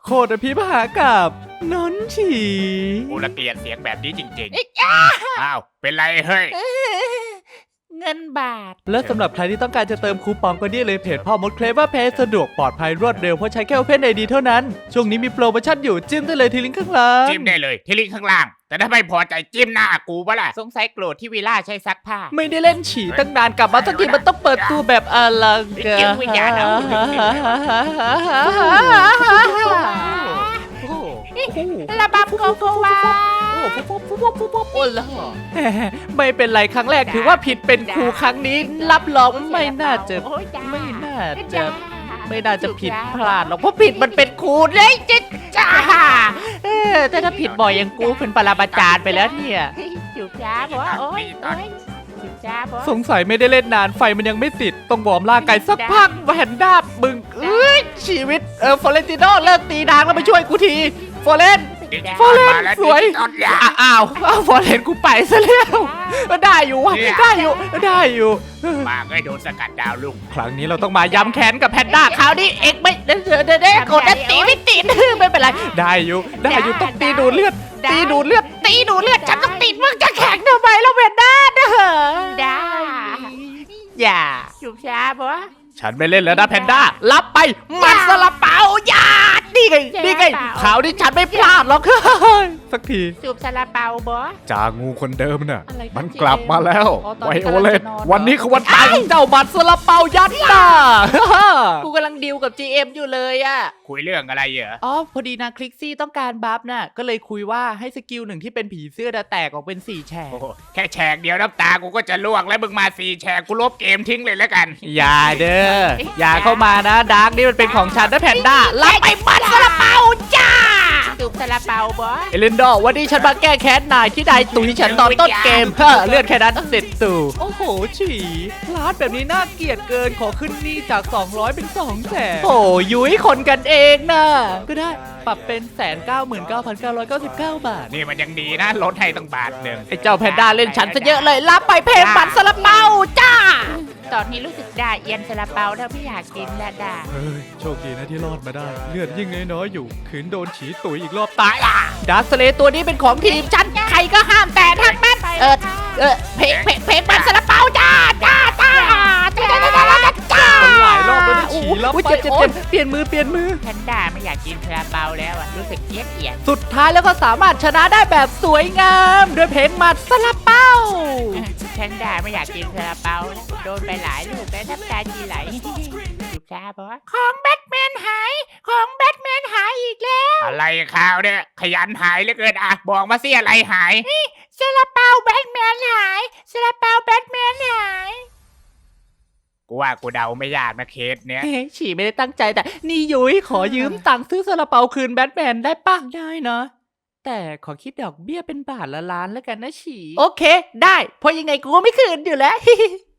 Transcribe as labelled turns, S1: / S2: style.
S1: โคตรพิมหากับนนฉี
S2: กูละเกลียดเสียงแบบนี้จริงๆอ้าวเป็นไรเฮ้ย
S3: เงินบาท
S1: และสำหรับใครที่ต้องการจะเติมคูปองก็นี่เลยเพจพ่อมดเคลเวอร์เพจสะดวกปลอดภัยรวดเร็วเพราะใช้แค่ Open ID เท่านั้นช่วงนี้มีโปรโมชั่นอยู่จิ้มได้เลยที่ลิงก์ข้างล่าง
S2: จิ้มได้เลยที่ลิงก์ข้างล่าง แต่ถ้าไม่พอใจจิ้มหน้ากูปะล่ะ
S3: สงสัยโกรธที่วิล่าใช้ซักผ้า
S1: ไม่ได้เล่นฉี่ตั้งนานกลับมาสักทีมันต้องเปิดตัวแบบอลังการ
S3: เกี่ยววิญญาณเอา ระบำโกโกวา
S1: โอ้ล่ะไม่เป็นไรครั้งแรกถือว่าผิดเป็นครูครั้งนี้รับรองไม่น่าจะ ไม่น่าจะผิดพลาดหรอกเพราะผิดมันเป็นครูเลยจ้าแต่ถ้าผิดบ่อยอย่างกูเป็นปรมาจารย์ไปแล้วเนี่ย
S3: จุบจ้าบอกว่าโอ๊ยจุบจ้าบอก
S1: สงสัยไม่ได้เล่นนานไฟมันยังไม่ติดต้องวอร์มร่างกายสักพักแผ่นด้าบมึงชีวิตฟอเรนติโนเลิกตีนางแล้วมาช่วยกูทีฟอเรน ฟอเรน
S2: มาแล้ว
S1: สวย
S2: ดิจิตอลยา
S1: อ้าวฟอเรนกูไปซะแล้วได้อยู่วะได้อยู่
S2: มาก็โดนสกัดดาวลุง
S1: ครั้งนี้เราต้องมาย้ำแค้นกับแพนด้าคราวนี้เอ็กไม่เด้กดแล้วตีไม่ติดไม่เป็นไรได้อยู่ต้องตีดูดเลือดฉันต้องติดมึงจะแข็งทำไมแล้วแพนด้าเด้อ
S3: ได้
S1: อย่า
S3: จุบจ้าบอกว่า
S1: ฉันไม่เล่นแล้วนะแพนด้ารับไปมันซาลาเปาอย่านี่ไงคราวนี้ฉันไม่พลาดหรอกสักที
S3: จูบซาลาเปาบอ
S1: จางูคนเดิมน่ะ
S3: อะไรกัน
S1: มันกลับมาแล้ว
S3: อ๋อตอน
S1: ไว
S3: นี้
S1: โอเลต
S3: กำลังจะนอน
S1: วันนี้คือวันตายของเจ้าบัตรซาลาเปายัดหน้า
S3: กูกำลังดิวกับ GM อยู่เลยอะ
S2: คุยเรื่องอะไรเหรอ
S1: อ๋อพอดีนางคลิกซี่ต้องการบัฟน่ะก็เลยคุยว่าให้สกิลหนึ่งที่เป็นผีเสื้อแตกออกเป็น4แฉก
S2: โอ้โหแค่แฉกเดียวน้ำตากูก็จะล่วงแล้วมึงมา4แฉกกูลบเกมทิ้งเลยแล้วกัน
S1: อย่าเด้ออย่าเข้ามานะดาร์กนี่มันเป็นของฉันนะแพนด้ารับไปบัตรซาลาเปาจ้า
S3: จูบซาลาเปาบอ
S1: เอลินดอร์วันนี้ฉันมาแก้แค้นนายที่นายตุยฉันตอนต้นเกมเลือดแค่นั้นเสร็จตู่โอ้โหฉีพลาดแบบนี้น่าเกลียดเกินขอขึ้นหนี่จาก200เป็น200,000โอ้ยุ้ยคนกันเองนะก็ได้ปรับเป็น199,999 บาท
S2: นี่มันยังดีนะลดให้ตั้งบาทหนึ่ง
S1: ไอ้เจ้าแพนด้าเล่นฉันซะเยอะเลยรับไปเพลงบัตรซาลาเปาจ้า
S3: ตอนนี้รู้สึกด่าเอียนซาลาเปาถ้าไม่อยากกินละด่า
S1: เฮ้ยโชคดีนะที่รอดมาได้เลือดยิ่งน้อยๆอยู่ขืนโดนฉีตุ๋ยอีกรอบตายล่ะดาร์คสเลย์ตัวนี้เป็นของทีมฉันใครก็ห้ามแต่ทั้งนั้นเพลงบัตรซาลาเปาจ้ามันหลายรอบแล้วฉีรับไปเจ็บเปลี่ยนมือ
S3: แพนด้าไม่อยากกินซาลาเปาแล้วอะรู้สึกเอียน
S1: สุดท้ายแล้วก็สามารถชนะได้แบบสวยงามด้วยเพลงบัตรซาลาเปา
S3: แพนด้าไม่อยากกินซาลาเปาแล้วโดนไปหลายลูกแล้วน้ำตาจีไหลจูบจ้าบอของแบทแมนหายอีกแล้ว
S2: อะไรข่าวเนี่ยขยันหายเหลือเกินอ่ะบอกมาสิอะไรหาย
S3: ซาลาเปาแบทแมนหายซาลาเปาแบทแมนหาย
S2: กูว่ากูเดาไม่ยากนะเคสเนี้ย
S1: เฮ้ยฉีไม่ได้ตั้งใจแต่นี่ยุ้ยขอยืมตังค์ซื้อซาลาเปาคืนแบทแมนได้ปะได้นะแต่ขอคิดดอกเบี้ยเป็นบาทละล้านแล้วกันนะฉีโอเคได้เพราะยังไงกูก็ไม่คืนอยู่แล้ว